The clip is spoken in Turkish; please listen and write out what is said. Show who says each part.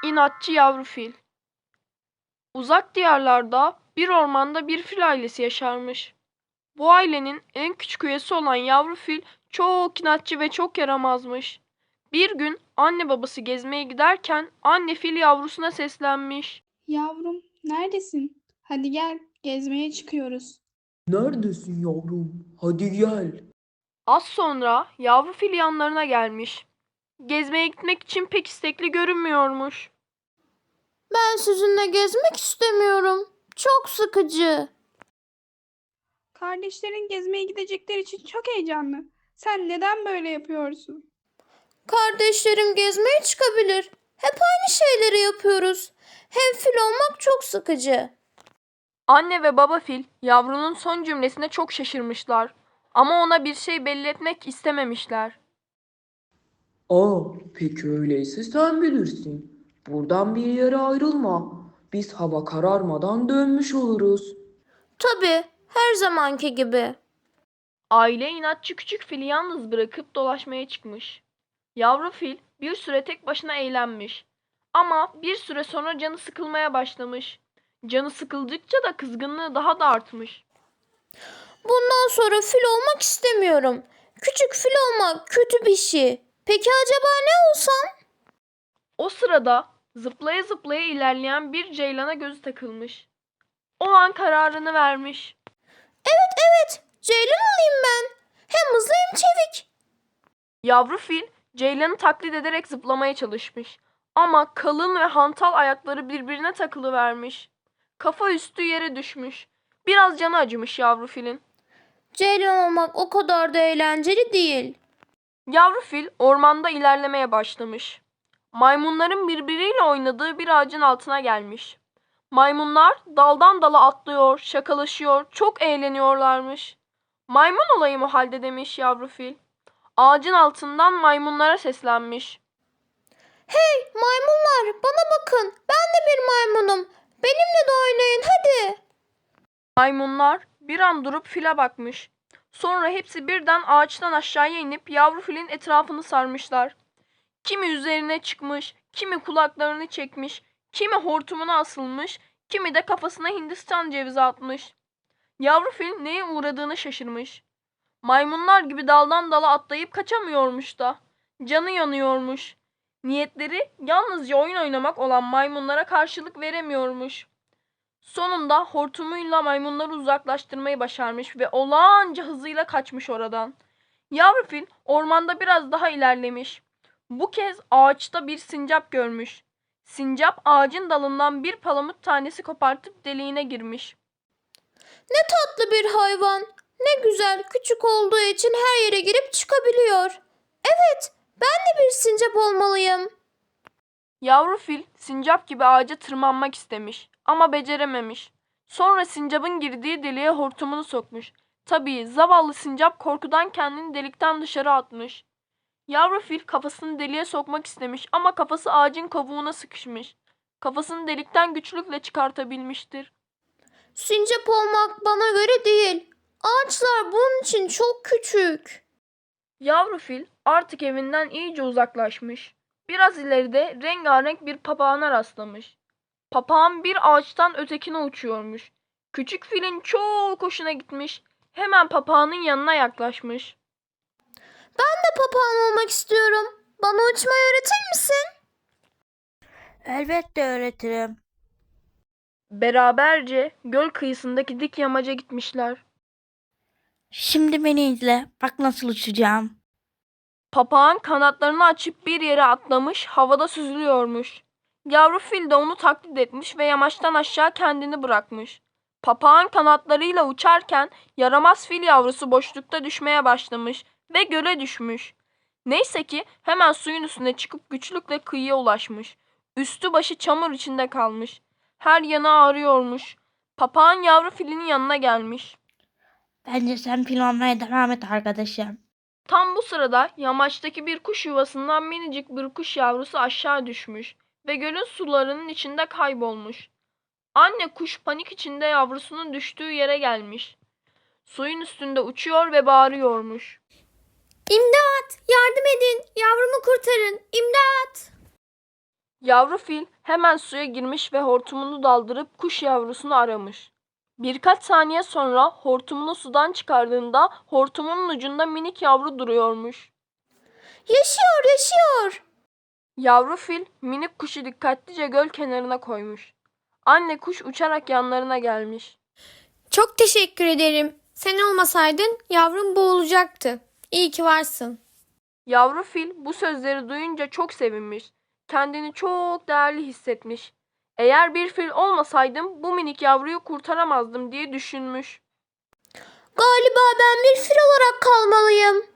Speaker 1: İnatçı yavru fil. Uzak diyarlarda bir ormanda bir fil ailesi yaşarmış. Bu ailenin en küçük üyesi olan yavru fil çok inatçı ve çok yaramazmış. Bir gün anne babası gezmeye giderken anne fil yavrusuna seslenmiş.
Speaker 2: Yavrum, neredesin? Hadi gel, gezmeye çıkıyoruz.
Speaker 3: Neredesin yavrum? Hadi gel.
Speaker 1: Az sonra yavru fil yanlarına gelmiş. Gezmeye gitmek için pek istekli görünmüyormuş.
Speaker 4: Ben sizinle gezmek istemiyorum. Çok sıkıcı.
Speaker 2: Kardeşlerin gezmeye gidecekleri için çok heyecanlı. Sen neden böyle yapıyorsun?
Speaker 4: Kardeşlerim gezmeye çıkabilir. Hep aynı şeyleri yapıyoruz. Hem fil olmak çok sıkıcı.
Speaker 1: Anne ve baba fil yavrunun son cümlesine çok şaşırmışlar. Ama ona bir şey belli etmek istememişler.
Speaker 3: Peki öyleyse sen bilirsin. Buradan bir yere ayrılma. Biz hava kararmadan dönmüş oluruz.
Speaker 4: Tabii, her zamanki gibi.
Speaker 1: Aile inatçı küçük fili yalnız bırakıp dolaşmaya çıkmış. Yavru fil bir süre tek başına eğlenmiş. Ama bir süre sonra canı sıkılmaya başlamış. Canı sıkıldıkça da kızgınlığı daha da artmış.
Speaker 4: Bundan sonra fil olmak istemiyorum. Küçük fil olmak kötü bir şey. Peki acaba ne olsam?
Speaker 1: O sırada zıplaya zıplaya ilerleyen bir ceylana gözü takılmış. O an kararını vermiş.
Speaker 4: Evet, ceylan olayım ben. Hem hızlı hem çevik.
Speaker 1: Yavru fil ceylanı taklit ederek zıplamaya çalışmış. Ama kalın ve hantal ayakları birbirine takılıvermiş. Kafa üstü yere düşmüş. Biraz canı acımış yavru filin.
Speaker 4: Ceylan olmak o kadar da eğlenceli değil.
Speaker 1: Yavru fil ormanda ilerlemeye başlamış. Maymunların birbiriyle oynadığı bir ağacın altına gelmiş. Maymunlar daldan dala atlıyor, şakalaşıyor, çok eğleniyorlarmış. Maymun olayım o halde demiş yavru fil. Ağacın altından maymunlara seslenmiş.
Speaker 4: Hey maymunlar bana bakın. Ben de bir maymunum. Benimle de oynayın hadi.
Speaker 1: Maymunlar bir an durup file bakmış. Sonra hepsi birden ağaçtan aşağıya inip yavru filin etrafını sarmışlar. Kimi üzerine çıkmış, kimi kulaklarını çekmiş, kimi hortumuna asılmış, kimi de kafasına Hindistan cevizi atmış. Yavru fil neye uğradığını şaşırmış. Maymunlar gibi daldan dala atlayıp kaçamıyormuş da. Canı yanıyormuş. Niyetleri yalnızca oyun oynamak olan maymunlara karşılık veremiyormuş. Sonunda hortumuyla maymunları uzaklaştırmayı başarmış ve olağanca hızıyla kaçmış oradan. Yavru fil ormanda biraz daha ilerlemiş. Bu kez ağaçta bir sincap görmüş. Sincap ağacın dalından bir palamut tanesi kopartıp deliğine girmiş.
Speaker 4: Ne tatlı bir hayvan. Ne güzel küçük olduğu için her yere girip çıkabiliyor. Evet ben de bir sincap olmalıyım.
Speaker 1: Yavru fil sincap gibi ağaca tırmanmak istemiş ama becerememiş. Sonra sincapın girdiği deliğe hortumunu sokmuş. Tabii zavallı sincap korkudan kendini delikten dışarı atmış. Yavru fil kafasını deliğe sokmak istemiş ama kafası ağacın kovuğuna sıkışmış. Kafasını delikten güçlükle çıkartabilmiştir.
Speaker 4: Sincap olmak bana göre değil. Ağaçlar bunun için çok küçük.
Speaker 1: Yavru fil artık evinden iyice uzaklaşmış. Biraz ileride rengarenk bir papağana rastlamış. Papağan bir ağaçtan ötekine uçuyormuş. Küçük filin çok hoşuna gitmiş. Hemen papağanın yanına yaklaşmış.
Speaker 4: Ben de papağan olmak istiyorum. Bana uçmayı öğretir misin?
Speaker 5: Elbette öğretirim.
Speaker 1: Beraberce göl kıyısındaki dik yamaca gitmişler.
Speaker 5: Şimdi beni izle. Bak nasıl uçacağım.
Speaker 1: Papağan kanatlarını açıp bir yere atlamış, havada süzülüyormuş. Yavru fil de onu taklit etmiş ve yamaçtan aşağı kendini bırakmış. Papağan kanatlarıyla uçarken yaramaz fil yavrusu boşlukta düşmeye başlamış ve göle düşmüş. Neyse ki hemen suyun üstüne çıkıp güçlükle kıyıya ulaşmış. Üstü başı çamur içinde kalmış. Her yanı ağrıyormuş. Papağan yavru filin yanına gelmiş.
Speaker 5: Bence sen fil olmaya devam et arkadaşım.
Speaker 1: Tam bu sırada yamaçtaki bir kuş yuvasından minicik bir kuş yavrusu aşağı düşmüş ve gölün sularının içinde kaybolmuş. Anne kuş panik içinde yavrusunun düştüğü yere gelmiş. Suyun üstünde uçuyor ve bağırıyormuş.
Speaker 4: İmdat! Yardım edin! Yavrumu kurtarın! İmdat!
Speaker 1: Yavru fil hemen suya girmiş ve hortumunu daldırıp kuş yavrusunu aramış. Birkaç saniye sonra hortumunu sudan çıkardığında hortumunun ucunda minik yavru duruyormuş.
Speaker 4: Yaşıyor, yaşıyor.
Speaker 1: Yavru fil minik kuşu dikkatlice göl kenarına koymuş. Anne kuş uçarak yanlarına gelmiş.
Speaker 6: Çok teşekkür ederim. Sen olmasaydın yavrum boğulacaktı. İyi ki varsın.
Speaker 1: Yavru fil bu sözleri duyunca çok sevinmiş. Kendini çok değerli hissetmiş. Eğer bir fil olmasaydım bu minik yavruyu kurtaramazdım diye düşünmüş.
Speaker 4: Galiba ben bir fil olarak kalmalıyım.